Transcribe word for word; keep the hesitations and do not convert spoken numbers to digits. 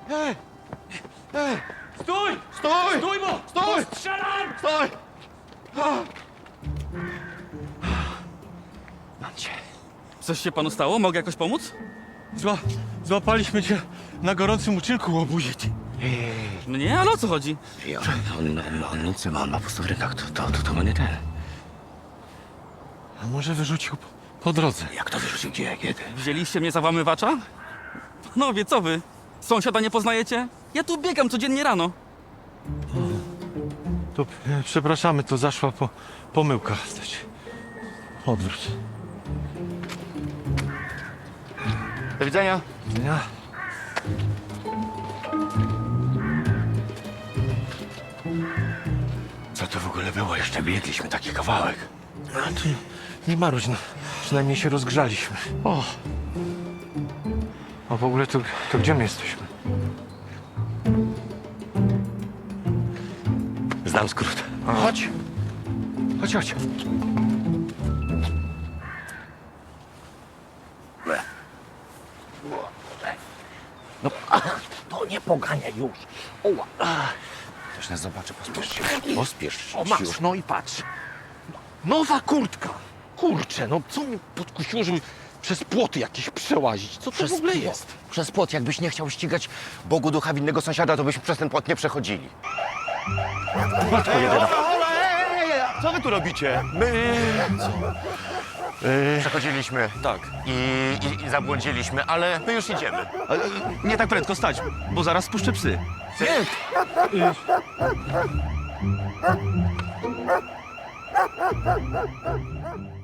Ej! Ej! Stój! Stój! Stój, bo! Stój! Strzelam! Stój! Mam cię. Coś się panu stało? Mogę jakoś pomóc? Zła, złapaliśmy cię na gorącym uczynku, łobuzie. Mnie? Ale o co chodzi? I on, on, on, on nic nie ma, on ma po prostu w rękach, to, to, to, to ma nie ten. A może wyrzucił po, po drodze? Jak to wyrzucił, gdzie, kiedy? Wzięliście mnie za włamywacza? Panowie, co wy? Sąsiada nie poznajecie? Ja tu biegam codziennie rano. To e, przepraszamy, to zaszła po, pomyłka. Odwróć. Do widzenia. Ja. Co to w ogóle było? Jeszcze biegliśmy taki kawałek. A tu nie marudź, no. Przynajmniej się rozgrzaliśmy. O! A w ogóle to, to gdzie my jesteśmy? Znam skrót. Chodź! Chodź, chodź. No, to nie pogania już. Oła. Ktoś nas zobaczy, pospiesz się. Pospiesz się O, masz. już, no i patrz. Nowa kurtka! Kurczę, no co mnie podkusiło, żeby przez płoty jakieś przełazić? Co to w ogóle płot. jest? Przez płot. Jakbyś nie chciał ścigać Bogu ducha winnego sąsiada, to byśmy przez ten płot nie przechodzili. Matko jedyna. Co wy tu robicie? My Yy, przechodziliśmy. Tak. I, i, i zabłądziliśmy, ale my już idziemy. Ale, nie tak prędko stać, bo zaraz spuszczę psy. Nie.